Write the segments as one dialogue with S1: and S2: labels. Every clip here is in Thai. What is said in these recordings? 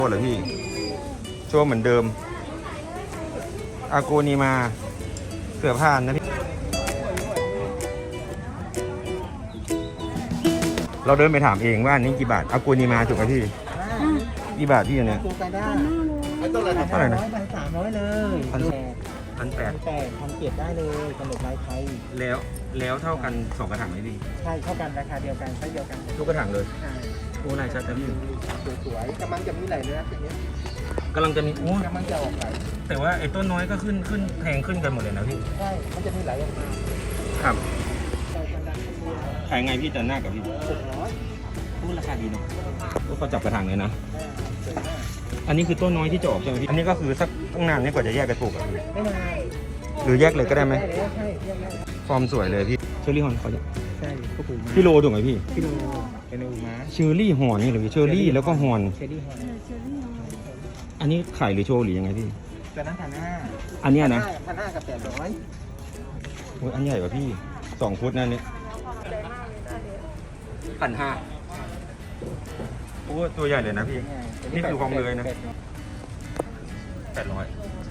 S1: โชว์เหรอพี่โชว์เหมือนเดิมอากูนีมาเสือผ่านนะพี่เราเดินไปถามเองว่าอันนี้กี่บาทอากูนีมาถูกไหมพี่กี่บาทพี่เนี่ย
S2: ตัวไปได้
S1: เท่าไหร่นะ
S2: 1,300เลย
S1: 1,800
S2: 1,800ได้เลยกำหนดลายไทย
S1: แล้วเท่ากัน2กระถางไหมพี่
S2: ใช่เท่ากันราคาเดียวกันไซส์เดียวกัน
S1: ทุกกระถางเลย
S2: ใช่
S1: โอ้ลายชัดนะพี่
S2: สวยๆกำลังจะมีไหลเลยนะทีนี้
S1: กำลังจะมีโอ้
S2: กำลังจะออกไหล
S1: แต่ว่าไอ้ต้นน้อยก็ขึ้นแพงขึ้นกันหมดเลยนะพี่
S2: ใช่มันจะมีไหลออกมา
S1: ครับ
S2: ใส่กันดันขึ้นมา
S1: ขายไงพี่จันหน้ากับพี่
S2: 600
S1: พูดราคาดีเนาะก็เขาจับกระถางเลยนะ
S2: สวยมาก
S1: อันนี้คือต้นน้อยที่จะออกใช่ไหมพี่อันนี้ก็คือสักตั้งนานนี่กว่าจะแยกกันปลูกอะพี่
S2: ไม่นาน
S1: หรือแยกเลยก็ได้ไหม
S2: ได้เลยใช่เรียกได้
S1: ฟอร์มสวยเลยพี่เชอร์รี่ฮอนเขาจะ
S2: ใช่ก็ปูม้า
S1: พี่โลถูกไหมพี่
S2: กิโลเป็นปูม้า
S1: เชอร์รี่ฮอนนี่เหรือพี่เชอร์รี่แล้วก็ฮอน
S2: เชอรี่ฮอน
S1: อันนี้ขายหรือโชว์หรือยังไงพี่
S2: ตัวนั้น1,500
S1: อันเนี้ยนะ
S2: 1,500กับ800
S1: โอ้ยอันใหญ่กว่าพี่2 ฟุตนั่นนี่1,500โอ้ตัวใหญ่เลยนะพี่ นี่คือความเลยนะ 800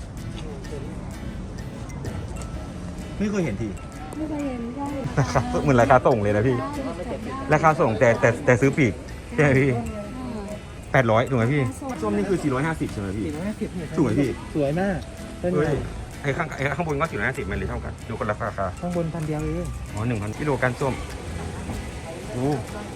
S1: ไม่เคยเห็นที
S3: ไม่เคยเห็นใช่
S1: ราคาเหมือนราคาส่งเลยนะพี่ ราคาส่งแต่ซื้อปีกใช่ไหมพี่800ถูกไหมพี่ส้มนี่คือ450ใช่ไหมพี่
S2: 450เนี่ย
S1: สวยพี่
S2: สวยมากต้น
S1: เฮ้
S2: ให
S1: ย
S2: ญ่
S1: ไอ้ข้างบนก็450มันเลยเท่ากันดูคนละราคา
S2: ข้างบน1,000เดียวเอง
S1: อ๋อ1,000กิโลกันส้มโอ้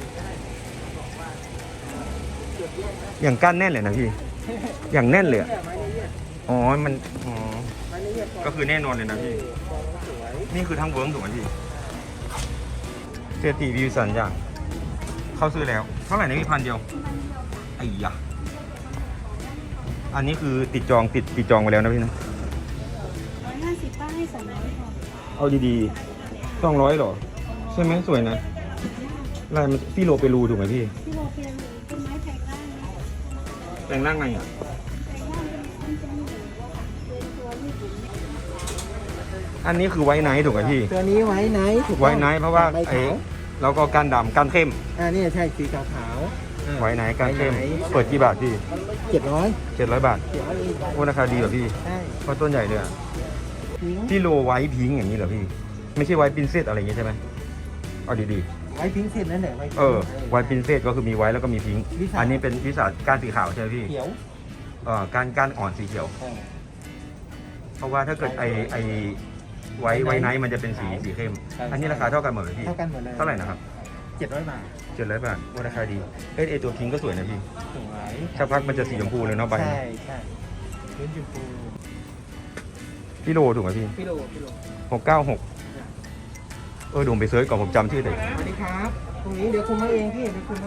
S1: อย่างก้านแน่นเลยนะพี่ อย่างแน่นเลยอะ
S2: ไม้ละเอียด
S1: อ๋อมันอ๋อ
S2: ไม้ละเอียด
S1: ก็คือแน่นอนเลยนะพี่
S2: สวย
S1: นี่คือทั้งเวิร์มถูกไหมพี่เศรษฐีวิวสันอย่างเข้าซื้อแล้วเท่าไหร่นะพี่1,000 เดียวไอ้ยะอันนี้คือติดจองไว้แล้วนะพี่นะ
S3: 150ป้าให้200ก่อน
S1: เอาดีๆ200หรอใช่ไหมสวยนะลายมันพี่โลเปรูถูกไหมพี่
S3: ที่โรเปียนต้นไม้แพงได้นะ
S1: แปลงร่างไงอ่ะ
S3: แพงได้เป็นต้นเป็นตัวที่ถึง
S1: อันนี้คือไว้ไนท์ถูกไหมพี่
S2: ตัวนี้ไว้ไหนถูกต้อง
S1: ไว้ไนท์เพราะว่า
S2: ใบ
S1: ไอ้
S2: ขาว
S1: แล้วก็ก้านดำก้านเข้ม
S2: นี่ใช่สีขาว
S1: ไว้ไนท์ก้านเข้มเปิดกี่บาทพี่
S2: 700
S1: 700 บาท
S2: เดี๋ยวอีก
S1: โอ้ราคาดีกว่าพี่
S2: ใช่
S1: เพราะต้นใหญ่เลยอะ
S2: ทิ้ง
S1: พี่โลไว้พิงค์อย่างนี้เหรอพี่ ไม่ใช่ไว้ปินเซตอะไรอย่างงี้ใช่ไหมเอาดี
S2: ไว้ทิ้งเสร็จนั่นแหละไว้
S1: ๆไว้ปินเซตก็คือมีไว้แล้วก็มีพิงค์
S2: วิสา
S1: อันนี้เป็นวิสาก้านสีขาวใช่ไหมพี่
S2: เขียว
S1: ก้านอ่อนสีเขียว เพราะว่าถ้าเกิดไอไว้ไนท์มันจะเป็นสีเข้ม อันนี้ราคาเท่ากันหมดเลยพี่
S2: เท่ากันหมดเลย
S1: เท่าไหร่นะครับ
S2: 700 บาท
S1: 700 บาทว่าราคาดีไอตัวพิงค์ก็สวยนะพี่
S2: สวย
S1: สักพักมันจะสีชมพูเลยเนาะใบ
S2: ใช่ใช่พื้นชมพู
S1: พี่โลถูกไหมพี่
S2: พี่โล
S1: 696โดมไปเซิร์ชก่อนผมจำชื่อเลย
S2: สวัสดีครับตรงนี้เดี๋ยวคุณมาเองพี่เดี๋ยวคุณให้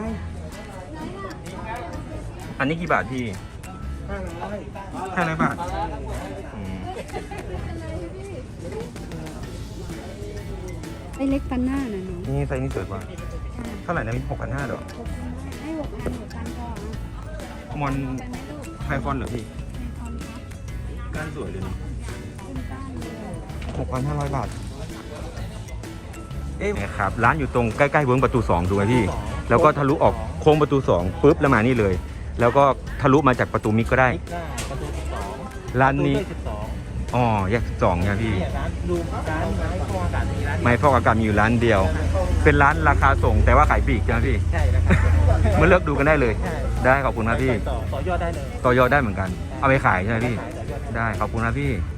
S1: อันนี้กี่บาทพี่
S2: 500
S1: 500 บาทอืม
S3: ไอ้เล็กปันหน้าน่ะหนู
S1: นี่ไซส์นี้สวยกว่าเท่าไหร่นะพี่6,500เหรอ
S3: ให้6,000ก่อน
S1: มอน
S3: เป็นไหมลูก
S1: ไฮฟอนเหรอพี่
S3: ในคอนครับ
S1: ก้านสวยเลยเนาะ
S3: ขึ้นก้านเลย
S1: 6,500 บาท ครับ ร้านอยู่ตรงใกล้ๆเวิร์กประตู2ถูกไหมพี่ แล้วก็ทะลุออกโค้งประตู2ปุ๊บแล้วมานี่เลย แล้วก็ทะลุมาจากประตูมิกก็ได้
S2: นิกได้ประตู12
S1: ร้านนี้
S2: ประตู12
S1: อ๋อแยก12เนี่ยพี่
S2: เนี่ยร้านดูร้านไม้ฟอกอากาศมีร้าน
S1: ไม้ฟอกอากาศมีอยู่ร้านเดียว เป็นร้านราคาส่งแต่ว่าขายปลีกใช่ไหมพี่
S2: ใช่นะครับ
S1: มาเลือกดูกันได้เลย
S2: ใช่
S1: ได้ขอบคุณครับพี่
S2: ต่อยอดได้เลย
S1: ต่อยอดได้เหมือนกัน เอาไปขายใช่ไหมพี่
S2: ขายต่อยอดได้
S1: ได้ขอบคุณครับพี่